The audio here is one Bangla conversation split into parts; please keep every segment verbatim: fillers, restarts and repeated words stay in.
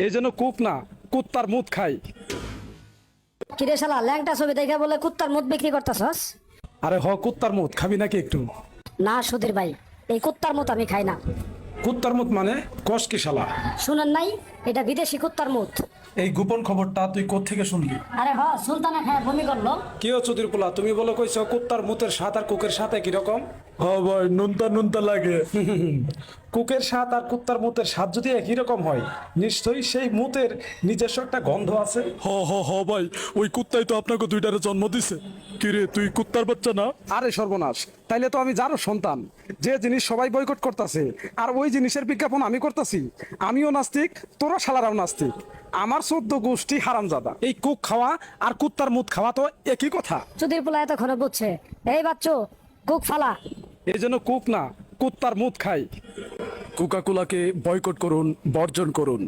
এই জন্য কুক না, কুত্তার মুত খাই। কিরে শালা ল্যাংটা ছবি দেখে বলে কুত্তার মুখ বিক্রি করতেছস? আরে হ, কুত্তার মুত খাবি নাকি একটু? না সুধীর ভাই, এই কুত্তার মুখ আমি খাই না। কুত্তার মুত মানে কস কি শালা? শুনেন নাই, এটা বিদেশি কুত্তার মুখ। এই গোপন খবরটা তুই কোত্থেকে শুনলি? আরে হ, সুলতানা খায় বমি করলো। কি ও চুদির পোলা, তুমি বলো কইছো কুত্তার মুতের স্বাদ আর কুকের সাথে কি রকম? হ্যাঁ ভাই, নুনতা নুনতা লাগে। কুকের স্বাদ আর কুত্তার মুতের স্বাদ যদি একই রকম হয়, নিশ্চয়ই সেই মুতের নিজস্ব একটা গন্ধ আছে। হ হ হ ভাই, ওই কুত্তাই তো আপনাকে দুইটারে জন্ম দিছে। কিরে তুই কুত্তার বাচ্চা না? আরে সর্বনাশ, তাইলে তো আমি যারও সন্তান। যে জিনিস সবাই বয়কট করতেছে আর ওই জিনিসের বিজ্ঞাপন আমি করতেছি। আমিও নাস্তিক, তোরা শালারাও নাস্তিক। আমার চোদ্দ গোষ্ঠী হারামজাদা। এই কুক খাওয়া আর কুত্তার মুত খাওয়া তো একই কথা। সুধীর পোলা এতক্ষণে বুঝছে। এই বাচ্চো, কুক ফালা। এই জন্য কুক না, কুত্তার মুত খাই। কোকাকোলাকে বয়কট করুন, বর্জন করুন।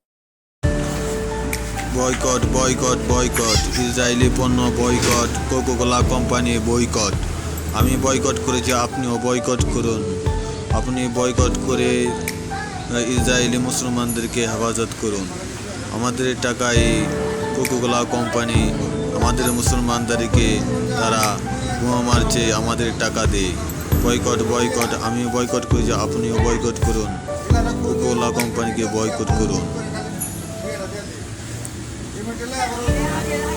বয়কট বয়কট বয়কট ইসরায়েলি পণ্য বয়কট, কোকাকোলা কোম্পানি বয়কট। আমি বয়কট করেছি, আপনিও বয়কট করুন। আপনি বয়কট করে ইসরায়েলি মুসলমানদেরকে হেফাজত করুন। আমাদের টাকায় কোকাকোলা কোম্পানি আমাদের মুসলমানদেরকে তারা বোমা মারছে, আমাদের টাকা দেয়। বয়কট বয়কট আমি বয়কট করেছি, আপনিও বয়কট করুন। কোকাকোলা কোম্পানিকে বয়কট করুন।